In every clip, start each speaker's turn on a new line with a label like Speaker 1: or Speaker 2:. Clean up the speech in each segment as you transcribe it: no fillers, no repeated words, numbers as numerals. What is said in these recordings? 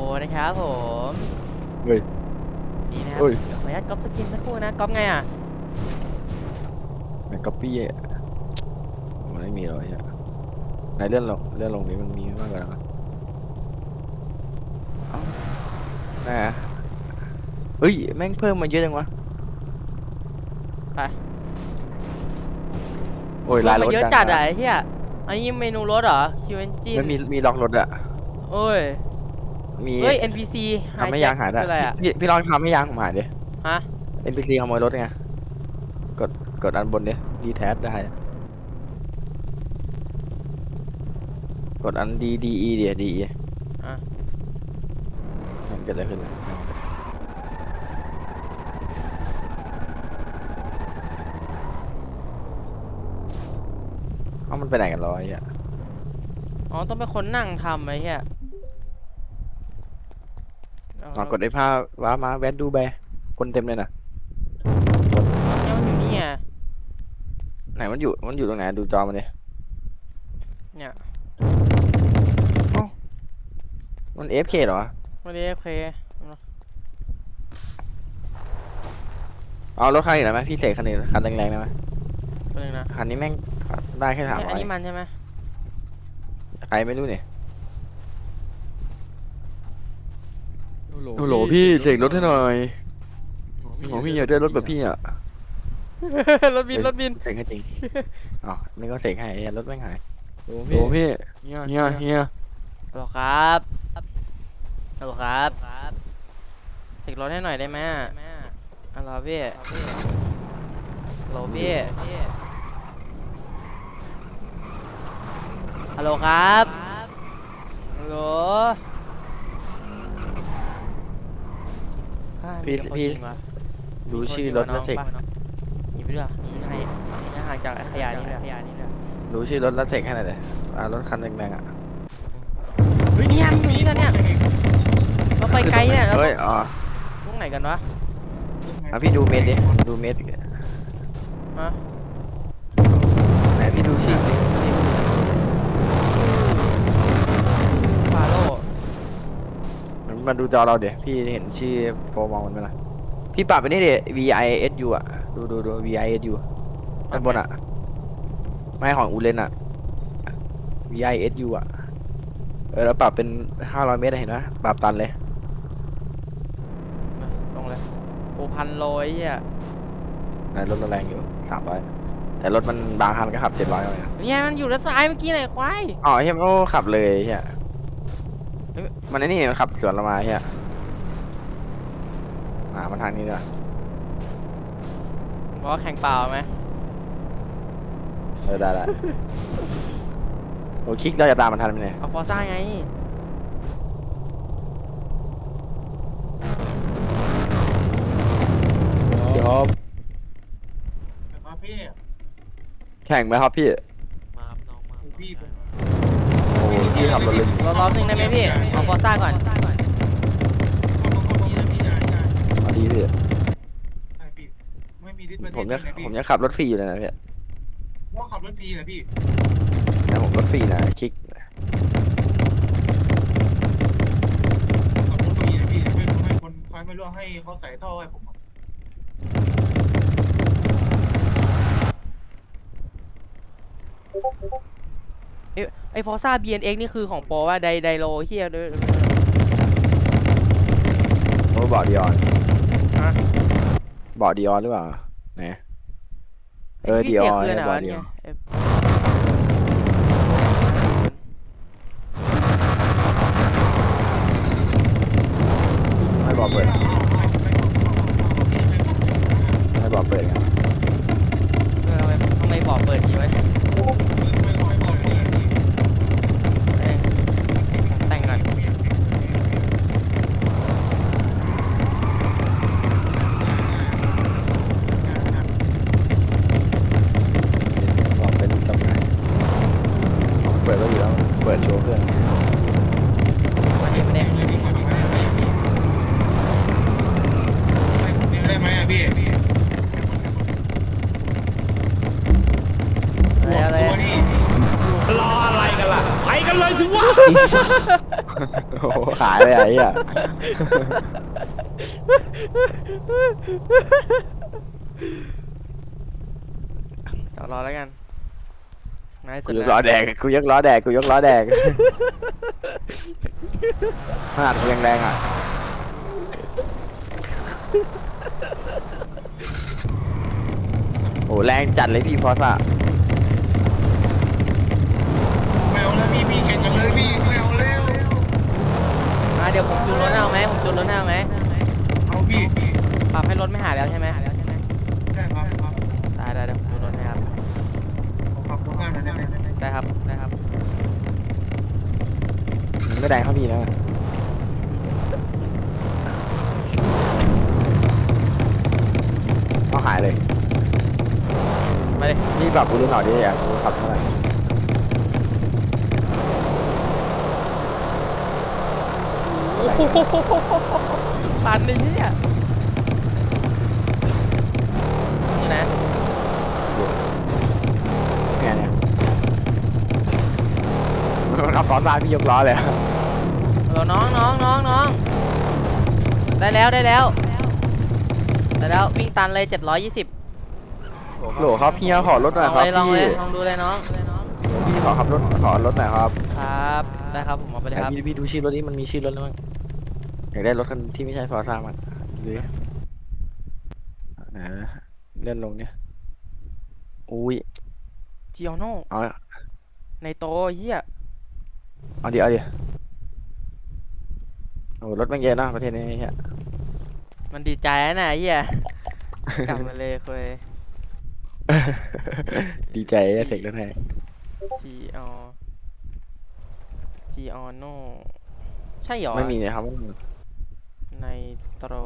Speaker 1: นะครับผม
Speaker 2: เฮ้ย
Speaker 1: นี่นะครับ
Speaker 2: เฮ้ย
Speaker 1: ขออนุญาตก๊อปสกินสักครู่นะก๊อปไงอ่ะ
Speaker 2: แมงกะปี้มันไม่มีหรอกไอ้เหี้ยในเลื่อนลงนี้มันมีมากกว่านั้นเอ้าน่ะเฮ้ยแม่งเพิ่มมาเยอะจังวะ
Speaker 1: ไป
Speaker 2: โอ้ยลายรถ
Speaker 1: เยอะจัดอ่ะไอ้เหี้ยอันนี้เมนูรถเหรอคิวเอนจิน
Speaker 2: ไม่มีล็อกรถอะ
Speaker 1: โอ้ย
Speaker 2: มี
Speaker 1: เฮ้ย NPC
Speaker 2: ทำให้ยางหายได้
Speaker 1: คืออะไรอ่ะ
Speaker 2: พี่ลองทำให้ยางผมหายดิ
Speaker 1: ฮะ
Speaker 2: NPC ขโมยรถไงกดอันบนดิดีแทสได้กดอันDEเดี๋ยวDE
Speaker 1: อ่ะ
Speaker 2: มันเกิดอะไรขึ้นนะเอ้ามันไปไหนกันรอไอ้เหี้ย
Speaker 1: อ๋อต้องเป็นคนนั่งทำไอ้เหี้ย
Speaker 2: ลองกดไอ้ผ้าว้ามาแวนดูแบร์คนเต็มเลยนะ
Speaker 1: เนี่ยมันอยู่นี่ไง
Speaker 2: ไหนมันอยู่ตรงไหนดูจอมันดิ
Speaker 1: เนี่ย
Speaker 2: มัน AFK เหรอ
Speaker 1: ไม่ได้เพย์
Speaker 2: เอารถคันอื่นได้ไหมพี่เสกคันอื่นคันแรงๆได้ไหม
Speaker 1: ตัวนึงนะ
Speaker 2: คันนี้แม่งได้แค่
Speaker 1: เนี่ยอัน
Speaker 2: 300
Speaker 1: นี้มันใช่ไหม
Speaker 2: ใครไม่รู้เนี่ย
Speaker 3: โอ้โหพี่เสกรถให้หน่อยโอ้พี่อยากได้รถแบบพี่อ่ะ
Speaker 1: รถบินรถบิน
Speaker 2: เสกให้จริงอ๋อนี่ก็เสกให้ไอ้รถแม่งหาย
Speaker 3: โอ้พี่เฮีย
Speaker 1: ฮัลโหลครับฮัลโหลครับเสกรถให้หน่อยได้ไหมฮัลโหลพี่ฮัลโหลพี่ฮัลโหลครับฮัลโหล
Speaker 2: พี่ดูชื่อรถแล้วเสก
Speaker 1: หยิบไปด้วยนี่ให้ห่างจากขยะนี่เลย
Speaker 2: ดูชื่อรถแล้วเสกให้หน่อยเลยรถคันแรงๆอ่ะ
Speaker 1: เฮ้ยเนี่ยมันอยู่นี่กันเนี่ยเราไปไกลเนี่ยเรา
Speaker 2: เฮ้ยอ๋อ
Speaker 1: ตรงไหนกันวะ
Speaker 2: พี่ดูเมตรดิดูเมตร
Speaker 1: ฮะ
Speaker 2: ไหนพี่ดูชื่อ
Speaker 1: ฟาโร่
Speaker 2: มาดูจอเราเดี๋ยวพี่เห็นชื่อโปรมองมันไหมล่ะพี่ปรับไปนี่ดิ VISU อ่ะดู VISU ด้านบนอ่ะไม่ของอูเลนอ่ะ VISU อ่ะแล้วปรับเป็น500 เมตรเห็นไหมปรับตันเลย
Speaker 1: ตรงเลยโอ้1,000 โลไอ้เหี้ย
Speaker 2: ในรถแรงอยู่300แต่รถมันบางคันก็ขับ700เลยนะ
Speaker 1: เนี่ยมันอยู่ด้านซ้ายเมื่อกี้ไหนควาย
Speaker 2: อ๋อเฮียมันก็ขับเลยเฮียมันไอ้นี่มันขับสวนเรามาเฮียมันทางนี้ด้วย
Speaker 1: บอกว่าแข่งเปล่าไหม
Speaker 2: ได้โอ้คลิกเราจะตามมันทันไหมเนี่ย
Speaker 1: เอาฟอร์ซ่าไง
Speaker 2: เดี๋ยว
Speaker 4: มาพี่
Speaker 2: แข่งไหมครับพี่
Speaker 4: พี่
Speaker 2: โอ้พี่ขับรถเลย
Speaker 1: รอบนึงได้ไหมพี่เอาฟอร์ซ่าก่อน
Speaker 2: เอาดีพี่
Speaker 4: ไม่มีดิส
Speaker 2: ผมจะขับรถฟรีอยู่เลยนะพี่
Speaker 4: ว่าขับรถฟรีนะพี่
Speaker 2: นะผมรถฟรีนะคลิก
Speaker 4: ขับรถฟรีนะพี่ให้คนไฟไม่รู้ให้เขาใส่ท่อให้ผม
Speaker 1: ไอฟอร์ซ่า BNX นี่คือของโปรว่าไดโลเฮียด้วย
Speaker 2: โอ้บอร์ดดิออน
Speaker 1: ฮะ
Speaker 2: บอร์ดดิออนหรือเปล่าไหนดิออนบอร์ดดิออนไม่บอกเปิดไม่บอกเปิดกัน
Speaker 1: ทำไมบอกเปิดดีไว้แต่งก่อน
Speaker 2: บอกเป็นตำแหน่งเปิดก็อยู่แล้วเปิดโชว์เพื่อน
Speaker 1: ไม่ได้
Speaker 4: ได้ไหมอ่ะพี่
Speaker 1: อะไร
Speaker 4: ตัวนี้
Speaker 3: รออะไรกันล่ะไปกันเลยสิวะ
Speaker 2: โอ้โหขายเลยไอ้เหี้ย
Speaker 1: จอดรอแล้วกันง่ายสุ
Speaker 2: กู
Speaker 1: ด
Speaker 2: ยก
Speaker 1: แล้ว
Speaker 2: ล้อแดกกูยกล้อแดกกูยกล้อแดกขนาดกูยังแรงอ่ะโอ้แรงจัดเลยพี่ฟอสอะ
Speaker 4: ไม่เอาแล้วพี่แข่งกันเลยพี่ไม่เอาแล้ว
Speaker 1: เดี๋ยวผมจูนรถให้เอาไหมผมจูนรถให้เอาไหม
Speaker 4: เอาพี่
Speaker 1: ปรับให้รถไม่หายแล้วใช่ไหม
Speaker 4: ได้ครับครับ
Speaker 1: ได้เดี๋ยวผมจูนรถให้ครับ
Speaker 4: ขอบคุณมากนะเนี่ย
Speaker 1: ได้ครับ
Speaker 2: มันไม่แรงเท่าพี่นะเอาหายเลย
Speaker 1: ไปเลย
Speaker 2: นี่ปรับกูดูหน่อยดิอยากรู้ขับเท่าไหร่
Speaker 1: ตันไอ้เหี้ยนี่นะ
Speaker 2: ไงเนี่ยมันขับซ้อนมาพี่ยกล้อเลย
Speaker 1: น้องได้แล้ววิ่งตันเลย720
Speaker 2: โหลครับพี่ขอรถหน่อยครับ
Speaker 1: ลอง
Speaker 2: พี่
Speaker 1: เลยลองดูเลยน้อง
Speaker 2: พี่ขอขับรถขอรถหน่อยครับ
Speaker 1: ครับได้ครับผมเอาไปเลยครับ
Speaker 2: พี่ดูชื่อรถนี้มันมีชื่อรถแล้วมั้งอยากได้รถคันที่ไม่ใช่ฟอร์ซ่ามันดูดิไหนนะเลื่อนลงเนี่ยอุ้ย
Speaker 1: จิโอโน่
Speaker 2: เอา
Speaker 1: ในโตเหี้ย
Speaker 2: เอาดิโอ้รถมันเยอะนะประเทศนี้เฮีย
Speaker 1: มันดีใจนะไอ้เหี้ยกลับมาเลยคุย
Speaker 2: ดีใจเสกรถให้
Speaker 1: จีออโน่ใช่หรอ
Speaker 2: ไม่มีเลยครับ
Speaker 1: ในโตร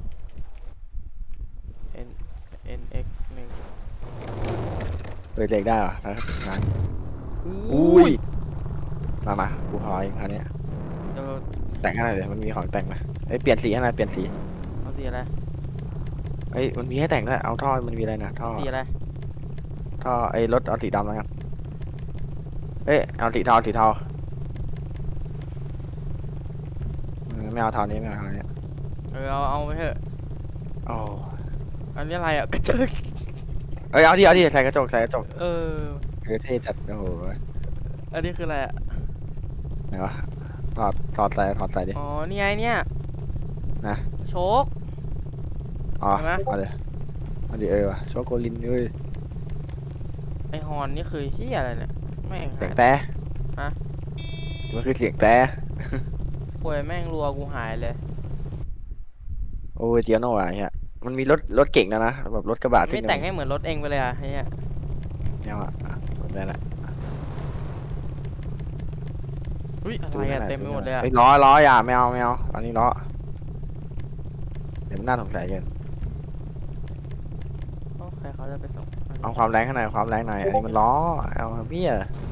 Speaker 1: NX 1
Speaker 2: เปิดเสกได้เหรอนะครับอุ้ยมากูพอเองคันนี้
Speaker 1: เดี๋ยว
Speaker 2: แต่งให้หน่อยเลยมันมีของแต่งไหมเอ้ยเปลี่ยนสีให้หน่อยเปลี่ยนสี
Speaker 1: เอาสีอะไร
Speaker 2: เอ้ยมันมีให้แต่งด้วยเอาท่อมันมีอะไรนะท่อ
Speaker 1: สีอะไร
Speaker 2: ท่อไอ้รถเอาสีดำแล้วกันเอ้ยเอาสีเทาไม่เอาเทานี้ไม่เอาเทานี้
Speaker 1: เอาไปเถอะ
Speaker 2: โอ้
Speaker 1: อันนี้อะไรอ่ะกระจก
Speaker 2: เอ้ยเอาดิใส่กระจก
Speaker 1: เออ
Speaker 2: เท่จัดโอ้โห
Speaker 1: อันนี้คืออะไรอ่ะ
Speaker 2: ไหนวะถอดใส่ดิ
Speaker 1: อ๋อนี่ไงเนี่ย
Speaker 2: นะ
Speaker 1: โชค
Speaker 2: อ๋อ
Speaker 1: เห็นไหม
Speaker 2: เอาดิวะโชโกลินเอ้ย
Speaker 1: ไอฮอนนี่คือเฮียอะไรเนี่ยแม่ง
Speaker 2: เสียงแต่
Speaker 1: ฮะ
Speaker 2: มันคือเสียงแต่
Speaker 1: ป่วยแม่งรัวกูหายเลย
Speaker 2: โอ้ยเจียโน่อะเฮียมันมีรถเก่งนะแบบรถกระบะซิ่
Speaker 1: ไม่แต่งให้เหมือนรถเองไปเลยอ่ะเฮีย
Speaker 2: เนี่ยอ่ะแบบนั้นแหละ
Speaker 1: อุ้ยอะไรอ่ะเต็มไปหมดเลยอ่ะ
Speaker 2: เฮ้ยล้ออย่าไม่เอาอันนี้ล้อเดี๋ยวมันน่าสงสัยเกิน
Speaker 1: โอ้ใครเขาจะไปส่ง
Speaker 2: เอาความแรงข้างในความแรงหน่อยอันนี้มันล้อเอาพี่อะ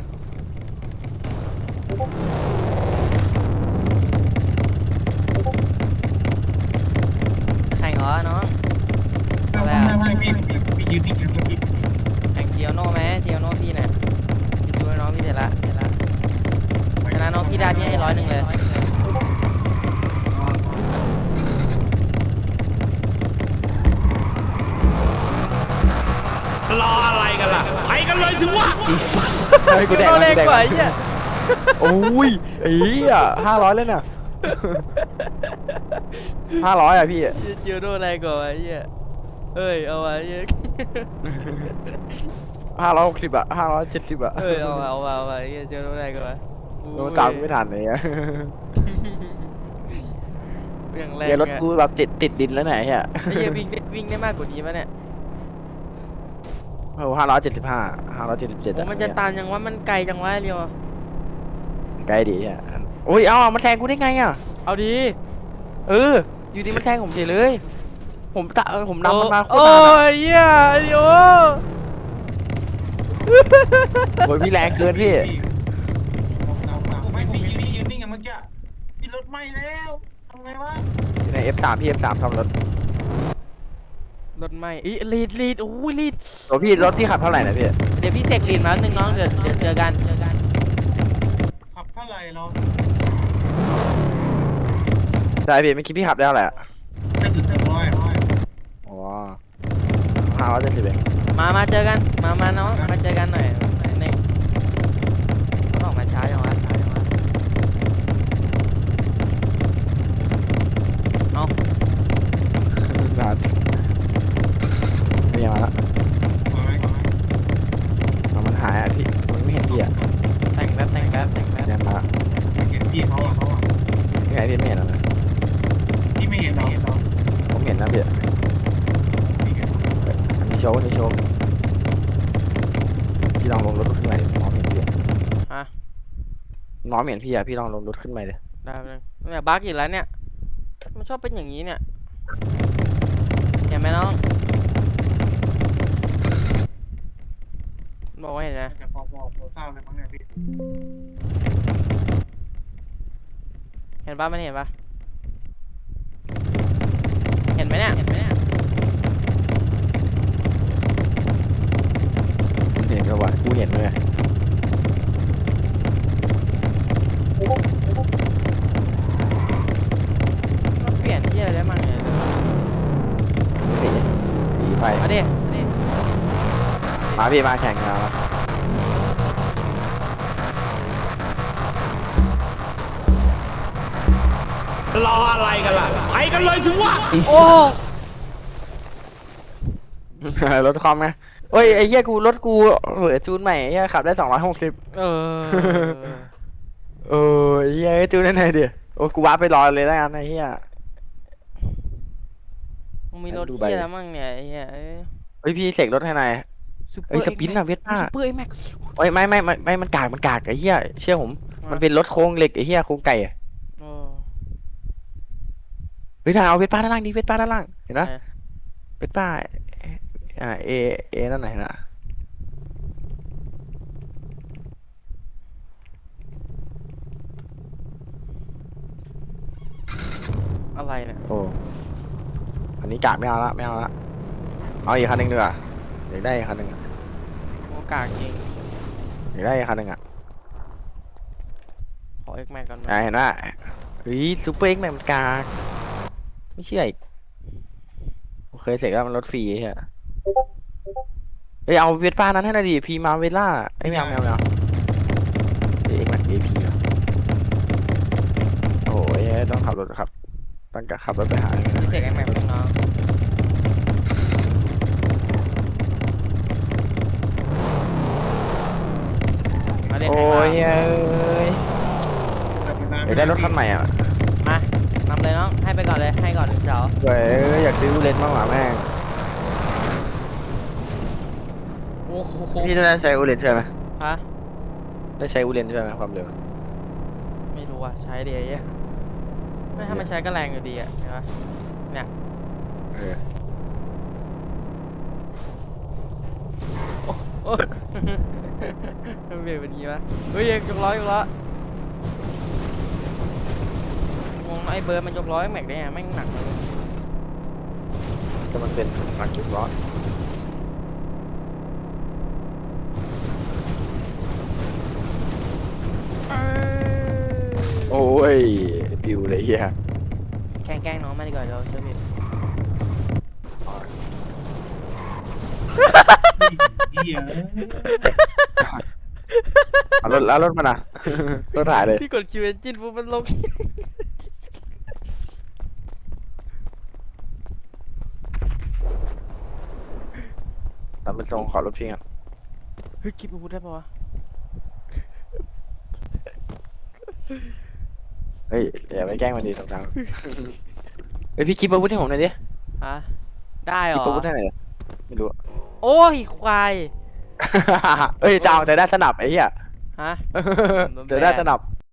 Speaker 1: แข่งเหรอน้อง
Speaker 4: ไม่พี่ยืนนิ่งๆพี่
Speaker 1: แข่งเจียวโน่ไหมเจียวโน่พี่เนี่ยพี่ดูให้น้องพี่เสร็จละชนะน้องพี่ได้พี่ให้100เลย
Speaker 5: รออะไรกันล่ะ ไปกันเลยสิวะ
Speaker 2: เฮ้ยกูแดก
Speaker 1: โน่
Speaker 2: แล้ว
Speaker 1: เล็ก
Speaker 2: กูแดก
Speaker 1: กว่า
Speaker 2: แล้ว
Speaker 1: ไอ้เหี้ย
Speaker 2: โอ้ยไอ้เหี้ย500เลยน่ะ500อ่ะพี่
Speaker 1: เจียวโน่แรงกว่าไอ้เหี้ยเอ้ยเอาไว้เหี้ย
Speaker 2: 560อ่ะ570อ่ะ
Speaker 1: เอ้ยเอาไว้เหี้ยเจียวโน่แรงกว่า
Speaker 2: โดนตามกูไม่ทันเลยอ่ะ
Speaker 1: อย่างแรง
Speaker 2: เดี๋ยวรถกูแบบติดดินแล้วไหนเฮีย
Speaker 1: ไอ้เหี้ยวิ่งได้มากกว่านี้ปะเนี่ย
Speaker 2: โอ้575 577
Speaker 1: โอ้มันจะตันยังวะมันไกลจังวะเรียว
Speaker 2: ใกล้ดีอ่ะโอ้ยเอามันแซงกูได้ไงอ่ะ
Speaker 1: เอาดี
Speaker 2: อยู่ดีมันแซงผมเฉยเลย ผมนำมันมาโคตร
Speaker 1: โอ้
Speaker 2: นานอะ
Speaker 1: ยเหี้ยเดี๋ยว
Speaker 2: โอ้ยพี่แรงเกินพี่
Speaker 4: ไม่พี่ยืนนิ่งๆเมื่อกี้พี่รถไหม้แล้วทำไงวะ
Speaker 2: อยู่ใน F3 พี่ F3 ทำรถ
Speaker 1: รถไม่อีลีดโอ้ยลีด
Speaker 2: โอ้พี่รถพี่ขับเท่าไหร่นะพี่
Speaker 1: เดี๋ยวพี่เสกลีดมาหนึ่งน้องเดี๋ยวเจอกัน
Speaker 4: ขับเท่าไหร่เรา
Speaker 2: ช่พี่ไม่คิดพี่ขับได้เท่าไหร่อะ
Speaker 4: ไม่ถึง100
Speaker 2: อ๋อ570เอง
Speaker 1: มาเจอกันมาน้องมาเจอกันหน่อยนี่ต้องออกมาช้าจังวะเอา
Speaker 2: นานนี่มาละ
Speaker 4: มาไหม
Speaker 2: มันหายอ่ะพี่มันไม่เห็นพี่อ่ะ
Speaker 1: แต่งแป๊บ
Speaker 2: เนี่ยมาละ
Speaker 4: เห็นพี่เขาอ่ะ
Speaker 2: นี่ไงพี่ไม่เห็นแล้วนะ
Speaker 4: พี่ไม่เห็นเรา
Speaker 2: ผมเห็นนะพี่อันนี้โชว์พี่ลองลงรถขึ้นมาดิน้องเห็นพี่อะน้องเห็นพี่อ่ะพี่ลองลงรถขึ้นมาดิ
Speaker 1: ได้เลยเนี่ยบั๊กอีกแล้วเนี่ยมันชอบเป็นอย่างนี้เนี่ยเห็นไหมน้องบอกว่าเห็นนะ
Speaker 4: จะพอทราบเลยมั้งเนี่ยพี่
Speaker 1: เห็นปะมันเห็นปะเห็นไหมเนี่ย
Speaker 2: มันเห็นก็ว่ากูเห็นเลย
Speaker 1: มันเปลี่ยนที่อะไรได้บ้างเนี่ย
Speaker 2: สีไฟ
Speaker 1: มาดิ
Speaker 2: มาพี่มาแข่งกันมา
Speaker 5: รออะไรกันล่ะ ไปกันเลยสิวะ
Speaker 1: โอ้
Speaker 2: รถคอมไงเอ้ยไอ้เหี้ยกูรถกูเหลือจูนใหม่ไอ้เหี้ยขับได้260
Speaker 1: เออ
Speaker 2: ไอ้เหี้ยจูนได้ไงดิโอ้กูว้าไปรอเลยแล้วกันไอ้เหี้ย
Speaker 1: มึงมีรถ
Speaker 2: ดูใบ
Speaker 1: ที่อะไรมั่งเนี่ยไอ้เหี้ยเอ้ย
Speaker 2: เฮ้ยพี่เสกรถให้หน่อยเอ้ยสปินอะเวทป้า
Speaker 1: ซูเปอร์เอ็กแม็ก
Speaker 2: เอ้ยไม่มันกากไอ้เหี้ยเชื่อผมมันเป็นรถโครงเหล็กไอ้เหี้ยโครงไก่อะ
Speaker 1: โอ้
Speaker 2: เฮ้ยถ้าเอาเวทป้าด้านล่างดิเวทป้าด้านล่างเห็นปะ
Speaker 1: ไหน
Speaker 2: เวทป้าเอนั่นไหนนะ
Speaker 1: อะไรเนี่ย
Speaker 2: โอ้อันนี้กากไม่เอาละเอาอีกคันหนึ่งดีกว่าอยากได้อีกคันหนึ่งอะ
Speaker 1: โอ้กากจริง
Speaker 2: อยากได้อีกคันหนึ่งอ่ะ
Speaker 1: ขอเอ็กแม็กก่อน
Speaker 2: เห็นปะเฮ้ยซูเปอร์เอ็กซ์แมนมันกากไม่เชื่ออีกโอเคเสร็จแล้วมันรถฟรีไอ้เหี้ยเฮ้ยเอาเวทป้านั้นให้หน่อยดิพีมาเวล่าไอ้ยไม่เอาเอ็กซ์แมนเอพีโอ้ยต้องขับรถครับต้องขับรถไปหาเลยนะ
Speaker 1: พี่เสกเอ็กแม็กเป็นน้องมาดิ
Speaker 2: โอ้ยเอ้ยอยากได้รถคันใหม่อ่ะ
Speaker 1: มานำเลยน้องให้ไปก่อนเลยให้ก่อน1 เสา
Speaker 2: เว้ยอยากซื้อเลนส์มากกว่าแม่ง
Speaker 1: โอ้โห
Speaker 2: พี่ได้ใช้อูเลนใช่ไหม
Speaker 1: ฮะ
Speaker 2: ได้ใช้อูเลนใช่ไหมความเร็ว
Speaker 1: ไม่รู้อ่ะใช้ดีไอ้เหี้ยไม่ถ้าไม่ใช้ก็แรงอยู่ดีอ่ะเห็นปะเนี่ย
Speaker 2: เออ
Speaker 1: โอ้ยมันเบรกเป็นงี้ปะเฮ้ยยกล้องงไอ้เบิร์ดมันยกล้อแม็กได้ไงแม่งหนักเลย
Speaker 2: แต่มันเป็นหลักจุดร้อนโอ้ยปิวเลยเฮีย
Speaker 1: แกล้งน้องมาดีกว่าเดี๋ยวเชื่อพี่
Speaker 4: เหี้ย
Speaker 2: เอารถมันอ่ะ รถถ่ายเลย
Speaker 1: พี่กดคิวเอนจินปุ๊บมันลง
Speaker 2: ทำเป็นทรงขอรถพี่อ่ะ
Speaker 1: เฮ้ยคลิปอาวุธได้ปะวะ
Speaker 2: เฮ้ยอย่าไปแกล้งมันดีตรงกลางเฮ้ยพี่คลิปอาวุธให้ผมหน่อยดิ
Speaker 1: ฮะได้เห
Speaker 2: ค
Speaker 1: ร
Speaker 2: ลิป
Speaker 1: อ
Speaker 2: อาวุธให้หน่อยดิไม่รู้
Speaker 1: โอ้ยควาย
Speaker 2: เอ้ยจะเอาแต่ได้สนับไอ้เหี้ย
Speaker 1: ฮะ
Speaker 2: แต่ได้สนับ